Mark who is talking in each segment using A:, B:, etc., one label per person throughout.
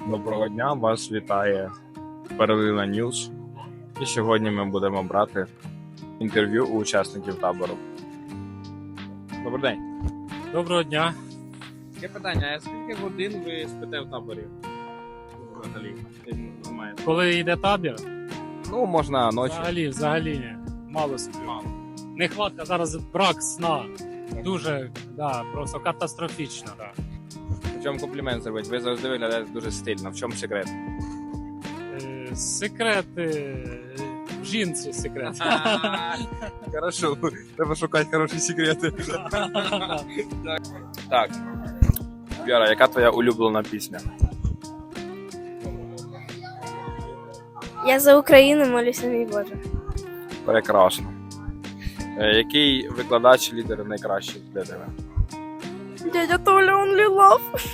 A: Доброго дня, вас вітає Перлина Ньюс. І сьогодні ми будемо брати інтерв'ю у учасників табору. Добрий день.
B: Доброго дня.
A: Таке питання, а скільки годин ви спите в таборі? Взагалі, немає.
B: Коли йде табір,
A: Ну, можна ночі.
B: взагалі ні. Мало сплю. Нехватка зараз, брак сна. Дуже, просто катастрофічно.
A: В чому комплімент зробити? Ви завжди виглядаєте дуже стильно. В чому секрет?
B: Секрет в жінці секрет.
A: Хорошо, треба шукати хороші секрети. Так. Віра, яка твоя улюблена пісня?
C: Я за Україну молюся, мій Боже.
A: Прекрасно. Який викладач, лідер найкращий для тебе?
C: Дядя Толя, only love.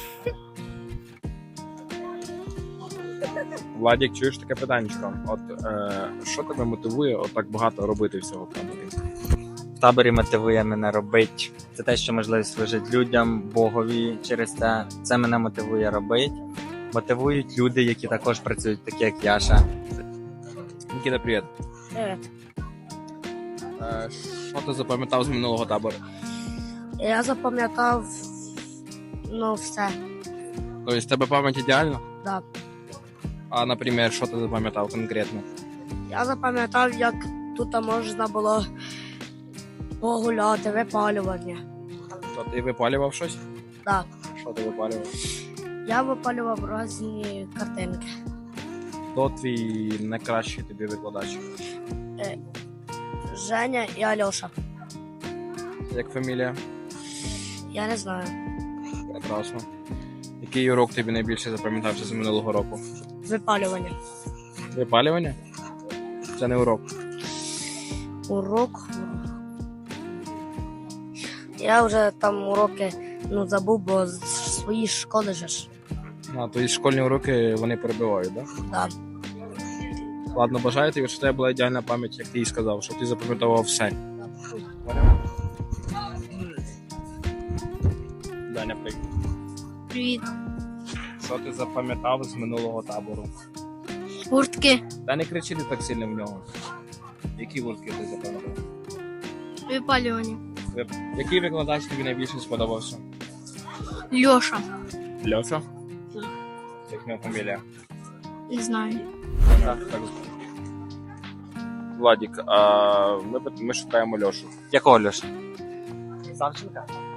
A: Владік, чуєш таке питаннячко? От що тебе мотивує отак багато робити всього в таборі?
D: В таборі мотивує мене робити. Це те, що можливість служити людям, Богові через те. Це мене мотивує робити. Мотивують люди, які також працюють, такі як Яша.
A: Нікіта, привіт.
C: Привіт.
A: Що ти запам'ятав з минулого табору?
C: Я запам'ятав, все.
A: Тобто, в тебе пам'ять ідеальна?
C: Да.
A: А, наприклад, що ти запам'ятав конкретно?
C: Я запам'ятав, як тут можна було погуляти, випалювання.
A: То ти випалював щось?
C: Да.
A: Що ти випалював?
C: Я випалював різні картинки.
A: Хто твій найкращий тобі викладач?
C: Женя і Альоша.
A: Як фамілія?
C: Я не знаю.
A: Прекрасно. Який урок тобі найбільше запам'ятався з минулого року?
C: Випалювання.
A: Випалювання? Це не урок.
C: Урок. Я вже там уроки забув, бо з своєї школи же ж.
A: А, то і школьні уроки вони перебивають, так?
C: Да.
A: Ладно, бажаю тобі, щоб у тебе була ідеальна пам'ять, як ти і сказав, щоб ти запам'ятував все. Даня, привіт.
C: Привіт.
A: Що ти запам'ятав з минулого табору?
C: Куртки.
A: Та не кричи ти так сильно в нього. Які гуртки ти запам'ятав?
C: Випалювання.
A: Який викладач тобі найбільше сподобався?
C: Льоша.
A: Льоша? Як моя фамілія?
C: Не знаю.
A: Так. Владік, а ми шукаємо Льошу.
D: Якого Льоша?
A: Савченка?